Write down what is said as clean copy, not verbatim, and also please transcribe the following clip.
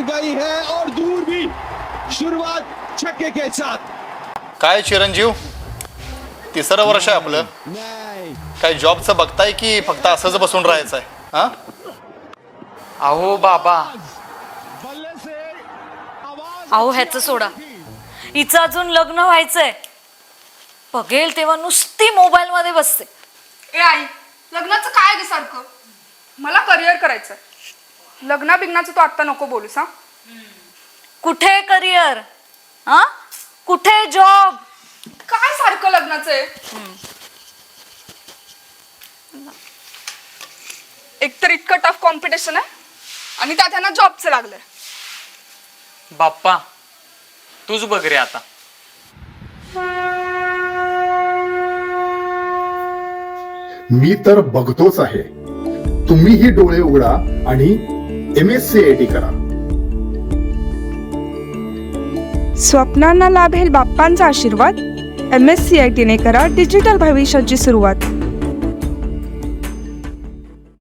गई है और दूर भी। शुरुआत छक्के के साथ। काय चिरंजीव, तिसरं वर्ष आहे आपलं. काय जॉबचं बघताय की फक्त असंच बसून राहायचं आहे? हा, अहो बाबा, अहो ह्याचं सोडा, हिचं अजून लग्न व्हायचंय. बघेल तेव्हा नुसती मोबाईल मध्ये बसते. ए आई, लग्नाचं काय ग सारखं? मला करिअर करायचंय. लग्ना बिग्नाचं तू आत्ता नको बोलूस हा. कुठे करिअर? हा, कुठे जॉब? काय सारखं लग्नाचं आहे? एकतर इतकं टफ कॉम्पिटिशन आहे आणि त्यात ह्यांना जॉबचं लागलंय. बाप्पा तूच बघ रे आता. मी तर बघतोच आहे. तुम्हीही डोळे उघडा आणि MSCIT करा. स्वप्नांना लाभेल बाप्पांचा आशीर्वाद. MSCIT ने करा डिजिटल भविष्याची सुरुवात.